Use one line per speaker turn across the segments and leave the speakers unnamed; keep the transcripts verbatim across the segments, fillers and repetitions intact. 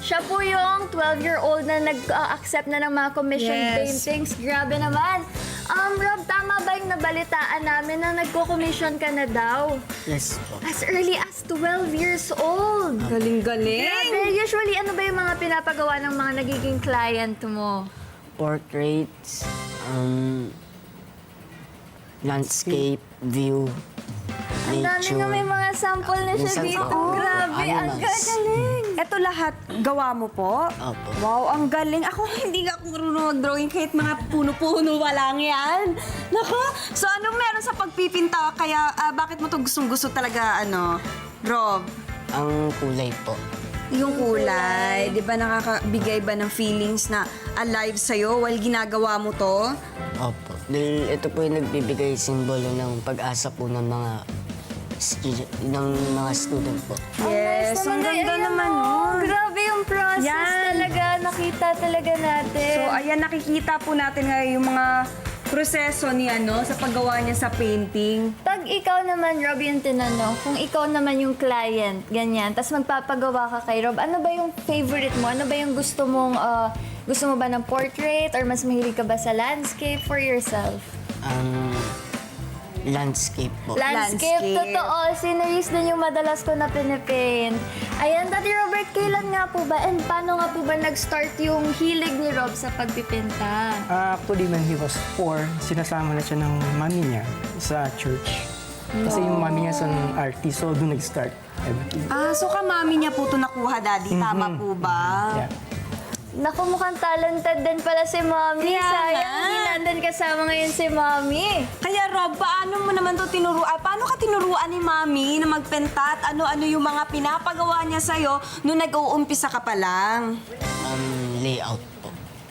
Siya po yung twelve-year-old na nag-accept na ng mga commission
Yes.
paintings. Grabe naman. Um, Rob, tama ba yung nabalitaan namin na nagko-commission ka na daw?
Yes po.
As early as twelve years old.
Galing-galing.
Grabe. Usually, ano ba yung mga pinapagawa ng mga nagiging client mo?
Portraits, um, landscape, view,
Ang dami
nature.
nga may mga sample na siya
Minsan
dito.
po,
Grabe, ang
animals.
gagaling.
Ito lahat, gawa mo po?
Opo.
Wow, ang galing. Ako, hindi ako marunong mag-drawing kahit mga puno-puno pa lang yan. Nako, so anong meron sa pagpipinta? Kaya ah, bakit mo to gustong-gusto talaga, ano, Rob?
Ang kulay po.
Yung kulay, di ba nakakabigay ba ng feelings na alive sa'yo while ginagawa mo to?
Opo. Dahil ito po yung nagbibigay simbolo ng pag-asa po ng mga stu- ng mga student po.
Yes, ang
naman.
ganda
Ayan,
naman
oh.
nun.
Grabe yung process
Yan.
talaga. Nakita talaga natin.
So, ayan, nakikita po natin ngayon yung mga proseso ni ano sa paggawa niya sa painting.
Pag ikaw naman, Rob, yung tinanong, kung ikaw naman yung client, ganyan, tapos magpapagawa ka kay Rob, ano ba yung favorite mo? Ano ba yung gusto mong, ah, gusto mo ba ng portrait or mas mahilig ka ba sa landscape for yourself?
Ang landscape po.
Landscape,
Landscape.
totoo. Sceneries din yung madalas ko na pinipaint. Ayan, Daddy Robert, kailan nga po ba and paano nga po ba nag-start yung hilig ni Rob sa pagpipinta?
Uh, actually, when he was four, sinasama na siya ng mami niya sa church. Kasi yung mami niya is an artist, so doon nag-start everything.
Ah, so kamami niya po ito nakuha, Daddy. Tama po ba?
Yeah.
Naku, mukhang talented din pala si Mommy.
Kaya
Sayang,
nga.
hindi natin kasama ngayon si Mommy.
Kaya Rob, paano mo naman to tinuruan? Paano ka tinuruan ni Mami na magpenta at ano-ano yung mga pinapagawa niya sa'yo nung nag-uumpisa ka pa lang?
Um, layout po.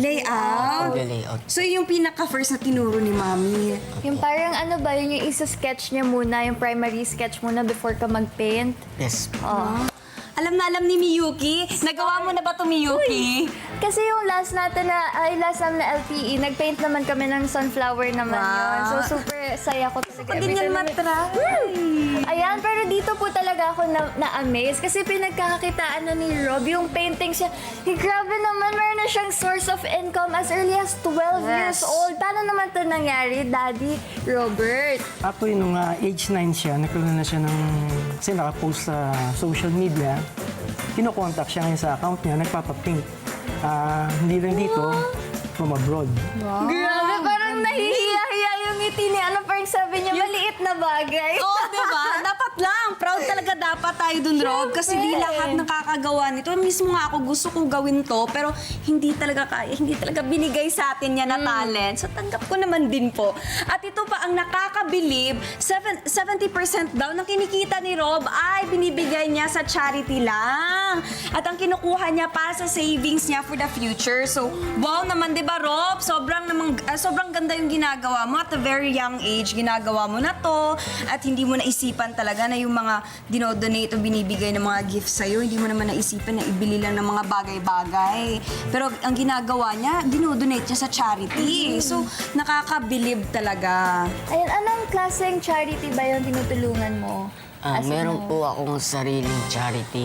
Layout?
Pag-layout.
So yung pinaka-first na tinuro ni Mami.
Yung parang ano ba, yun yung isa-sketch niya muna, yung primary sketch muna before ka mag-paint.
Yes po.
Oh.
Alam na alam ni Miyuki. Nagawa mo na ba to Miyuki?
Kasi yung last natin na, ay last namin na L T E, nag-paint naman kami ng sunflower naman
Wow.
yun. So super saya ko talaga.
Hindi
Every
niyan
time na-
matry.
Ayan, pero dito po talaga ako na- na-amaze kasi pinagkakakitaan na ni Rob yung painting siya. Eh, grabe naman, meron na siyang source of income as early as twelve years
Yes.
old. Paano naman to nangyari, Daddy Robert?
Actually, nung uh, age nine siya, nagkaroon na siya ng, kasi nakapost sa social media, kinokontak siya ngayon sa account niya, nagpapapaint. Ah, hindi lang dito, from abroad.
Grabe, parang nahihiya-hiya yung ngiti niya. Ano parang sabi niya, maliit na bagay.
Oo, oh, diba? Dapat lang. Proud talaga dapat tayo dun, Rob. Kasi di
Siyempre.
lahat nakakagawa nito. Mismo nga ako gusto kong gawin to, pero hindi talaga kaya, hindi talaga binigay sa atin yan na talent. So tanggap ko naman din po. At ito pa ang nakakabilib, seven- seventy percent daw ng kinikita ni Rob ay binibigay niya sa charity lang. At ang kinukuha niya para sa savings niya for the future. So, wow naman, di ba, Rob? Sobrang, namang, ah, sobrang ganda yung ginagawa mo. At a very young age, ginagawa mo na to. At hindi mo naisipan talaga na yung mga dinodonate o binibigay ng mga gifts sa'yo, hindi mo naman naisipan na ibili lang ng mga bagay-bagay. Pero ang ginagawa niya, dinodonate niya sa charity. So, nakakabilib talaga.
Ayun, anong klaseng charity ba yung tinutulungan mo?
Ah,
As in,
meron
ano?
po akong sariling charity.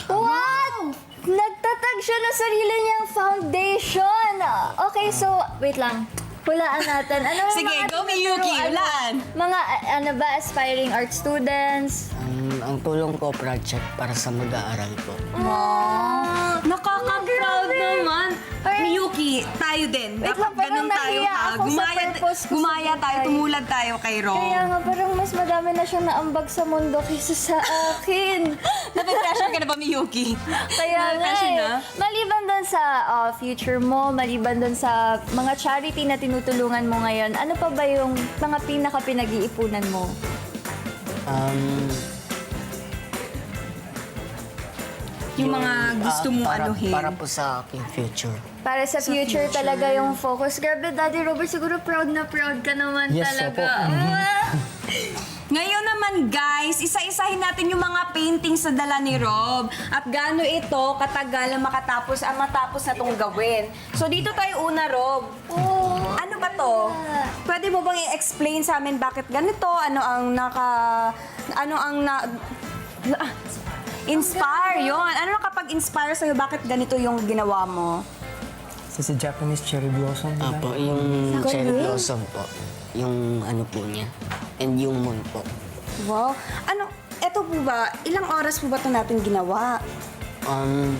What? Nagtatag siya ng sarili niyang foundation. Okay, so, wait lang. Hulaan natin. Ano yung
Sige,
mga
go, Miyuki,
tinuturuan mo?
hulaan.
Mga, a- ano ba, aspiring art students?
Um, ang tulong ko project para sa mag-aaral po.
Wow! Nakaka-proud naman.
Parang-
Miyuki, tayo din.
Wait
Dapat
lang, parang
ganun tayo
nahiya
ha.
ako sa
Gumaya,
purpose ko sa
gumaya tayo,
buhay.
tumulad tayo kay Rob.
Kaya nga, parang mas madami na siyang naambag sa mundo kaysa sa akin.
Nape-pressure ka na ba, Miyuki?
Kaya nga
Nape-pressure
eh.
na?
Maliban doon sa uh, future mo, maliban doon sa mga charity na tinutulungan mo ngayon, ano pa ba yung mga pinaka-pinag-iipunan mo?
Um,
Yung mga gusto
ah,
mong
para,
anuhin.
Para po sa aking future.
Para sa, future,
future.
talaga yung focus. Grabe, Daddy Robert, siguro proud na proud ka naman
Yes,
talaga.
opo.
Ah!
Ngayon naman guys, isa-isahin natin yung mga paintings na dala ni Rob at gaano ito katagal na makatapos ang matapos na itong gawin. So dito tayo una, Rob.
Oh,
Ano ba to? Pwede mo bang i-explain sa amin bakit ganito? Ano ang naka... Ano ang na... na- Inspire, yon. Ano nakapag-inspire sa'yo? Bakit ganito yung ginawa mo?
Sa si Japanese cherry blossom, diba?
Apo, yung cherry blossom po. Yung ano po niya. And yung moon po.
Wow. Ano, eto po ba, ilang oras po ba ito natin ginawa?
Um,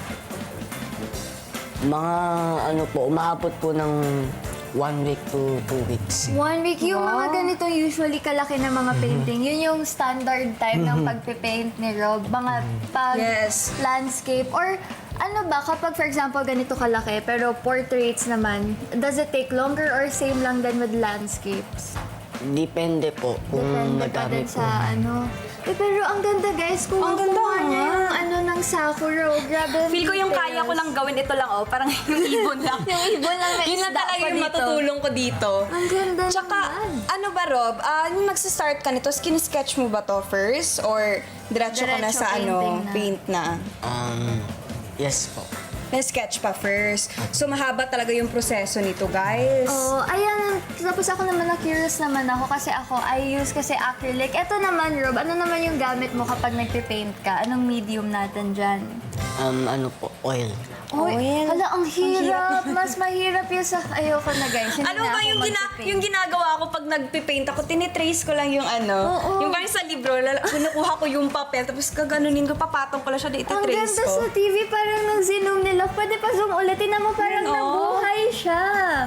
mga ano po, umaabot po ng one week to two weeks.
One week, yung mga ganitong usually kalaki na mga painting, yun yung standard time ng pagpipaint ni Rob. Mga pag
Yes.
landscape or ano ba, kapag for example ganito kalaki pero portraits naman, does it take longer or same lang din with landscapes?
Depende po kung
Depende pa
madami
din
po.
sa ano. Eh, pero ang ganda guys, kung
Ang ganda
kuha niya
nga.
yung ano ng Sakura, oh, grabe ang
Feel ko yung
details.
kaya ko lang gawin ito lang, oh. Parang yung ibon lang.
Yung ibon lang may
Yun lang
isda
talaga
pa
yung
dito.
matutulong ko dito.
Ang ganda
Tsaka,
naman.
ano ba, Rob? Ah, yung magsa-start ka nito, skin-sketch mo ba to first? Or diretso ka na
Diretso
sa ano,
painting na.
paint na?
Um, yes po.
May sketch pa first. So, mahaba talaga yung proseso nito, guys.
Oo, ayan. Tapos ako naman na-curious naman ako kasi ako, I use kasi acrylic. Ito naman, Rob, ano naman yung gamit mo kapag nagpipaint ka? Anong medium natin dyan?
Um, ano po, oil.
Oy,
Oil.
hala, ang hirap. Mas mahirap yung sa... Ayoko na, guys. Hindi
Ano
na
ba
ako
yung, gina
magpipaint.
yung ginagawa ko pag nagpipaint ako? Tinitrace ko lang yung ano.
Oo.
Yung parang sa libro, lala- kinukuha ko yung papel, tapos gaganunin ko, papatong ko lang siya,
Ang
ititrace
ganda
ko.
sa T V, parang nung zoom nila. Pwede pa zoom ulit. Tingnan mo, parang
Ayun, oh.
nabuhay siya.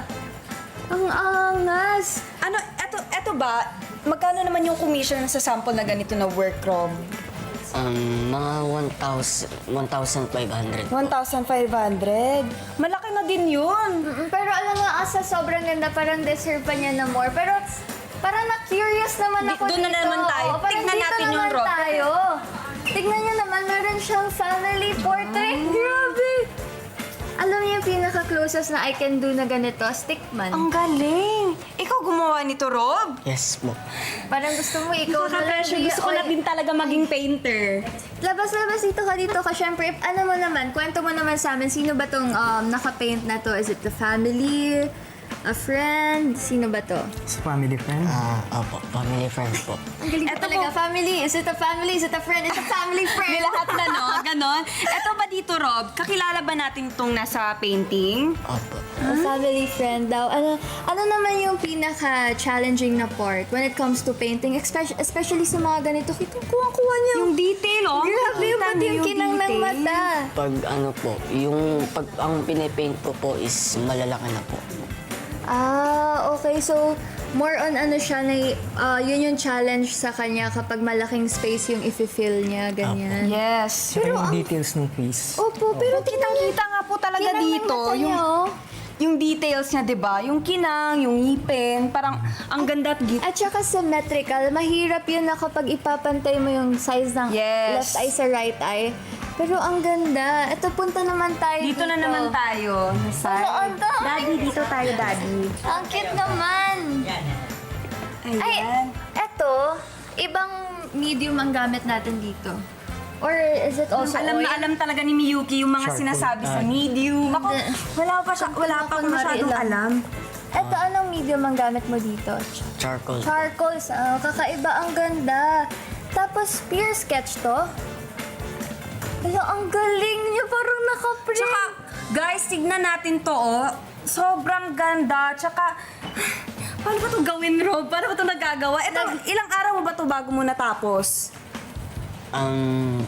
Ang angas.
Ano, eto, eto ba, magkano naman yung commission sa sample na ganito na work, Rob?
Um, mga one thousand five hundred.
one thousand five hundred? Malaki na din yun.
Mm, Pero alam mo, asa sobrang ganda, parang deserve pa niya na more. Pero parang na-curious naman
Di-
ako
doon na
dito.
naman tayo.
Oo, parang
Tignan
dito
natin yung
naman
Rob.
tayo. Tignan niyo naman, meron siyang family portrait. Grabe! Alam niyo yung pinaka-closest na I can do na ganito? Stickman.
Ang galing. Ikaw gumawa nito, Rob?
Yes po.
Parang gusto mo ikaw na lang.
Nakaka-pressure. Gusto ko na din talaga maging painter.
Labas-labas dito ka dito ka. Siyempre, ano mo naman, kwento mo naman sa amin, sino ba tong um, naka-paint na to? Is it the family? A friend? Sino ba to?
Sa family friend.
Ah, opo, family friend po.
Ang galing
Eto
talaga.
po.
Family. Is it a family? Is it a friend? It's a family friend.
May lahat na, no? Ganon. Eto ba dito, Rob? Kakilala ba natin itong nasa painting?
Opo.
A family friend daw. Ano, ano naman yung pinaka-challenging na part when it comes to painting? Especially, especially sa mga ganito. Kitang kuha-kuha niya.
Yung detail, oh.
Grabe yung
Nakita
pati
niyo
yung kinang ng
detail.
mata.
Pag ano po, yung pag ang pinipaint ko po is malalaki na po.
Ah, okay. So, more on ano siya, na, uh, yun yung challenge sa kanya kapag malaking space yung i-fill niya, ganyan.
Yes.
Tsaka yung details ng face.
Opo, pero
Kitang-kita nga po talaga
kinang ng
dito.
mata
Yung,
niya, oh.
yung details niya, di ba? Yung kinang, yung ngipin, parang ang ganda at git.
At saka symmetrical, mahirap yun na kapag ipapantay mo yung size ng
Yes.
left eye sa right eye. Pero ang ganda. Ito, punta naman tayo dito.
Dito na naman tayo. Nasa.
Oo, dami.
Daddy, dito tayo, Daddy.
Ang cute naman.
Ayan.
Ay, eto, ibang medium ang gamit natin dito. Or is it also
alam
oil?
na alam talaga ni Miyuki yung mga
Charcoal.
sinasabi sa medium. Ako, wala pa siya, wala pa ako
Kunwari
masyadong
lang.
alam.
Eto, anong medium ang gamit mo dito?
Charcoal.
Charcoal. Ah, kakaiba, ang ganda. Tapos, peer sketch to. Ala, ang galing niya. Parang nakaprint.
Tsaka, guys, tignan natin to, oh. Sobrang ganda. Tsaka, paano ba to gawin, Rob? Paano ba to nagagawa? Ito, ilang araw mo ba to bago mo natapos?
Um,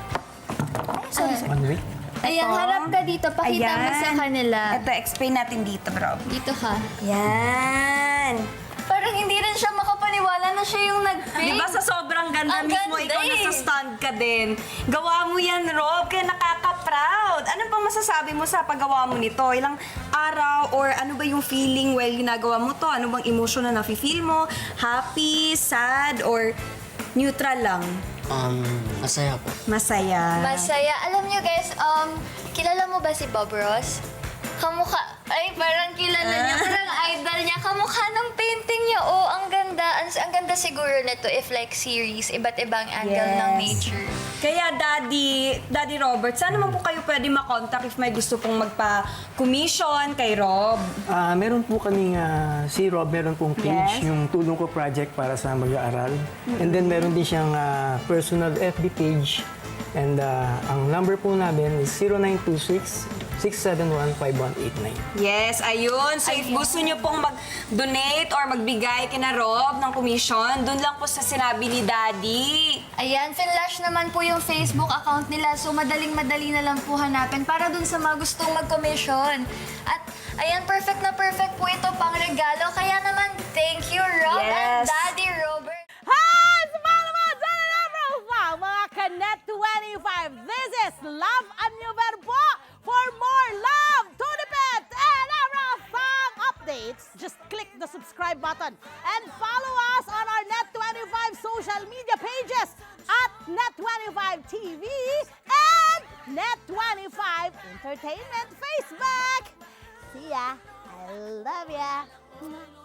One week.
Ayan, harap ka dito. Pakita mo sa kanila.
Ito, explain natin dito, Rob.
Dito ka.
Yan.
Parang hindi rin siya makapaniwala na siya yung nag-paint.
Di ba sa sobrang ganda
Ang
mismo,
ganda
ikaw
eh.
nasa stand ka din. Gawa mo yan, Rob, kaya nakaka-proud. Ano pang masasabi mo sa paggawa mo nito? Ilang araw or ano ba yung feeling while ginagawa mo to? Ano bang emotion na nafe-feel mo? Happy, sad, or neutral lang?
um, masaya po.
Masaya.
Masaya. Alam niyo guys, um, kilala mo ba si Bob Ross? Kamukha, ay parang kilala niya, parang idol niya. Kamukha ng painting niya. Oh, ang ganda. Ang, ang ganda siguro nito if like series, iba't ibang angle
Yes.
ng nature.
Kaya Daddy, Daddy Robert, saan naman po kayo pwede makontak if may gusto pong magpa-commission kay Rob?
Ah, meron po kaming ah, si Rob, meron pong page,
Yes.
yung Tulong Ko Project para sa mag-aaral. And then meron din siyang ah, personal F B page And uh, ang number po namin is zero nine two six, six seven one, five one eight nine.
Yes, ayun. So if gusto nyo pong mag-donate or magbigay kina Rob ng commission, dun lang po sa sinabi ni Daddy.
Ayan, Finlash naman po yung Facebook account nila. So, madaling-madali na lang po hanapin para dun sa mga gustong mag-commission. At, ayan, perfect na perfect po ito pang regalo. Kaya naman, thank you, Rob and
Yes.
Daddy Robert.
Hi! Sa mga naman, sa profile, mga Kanet twenty-five. This is Love and New Verbo. For more love, to the pet, and everything updates, just click the subscribe button and follow us on our Net twenty-five social media pages at Net twenty-five T V and Net twenty-five Entertainment Facebook. See ya. I love ya.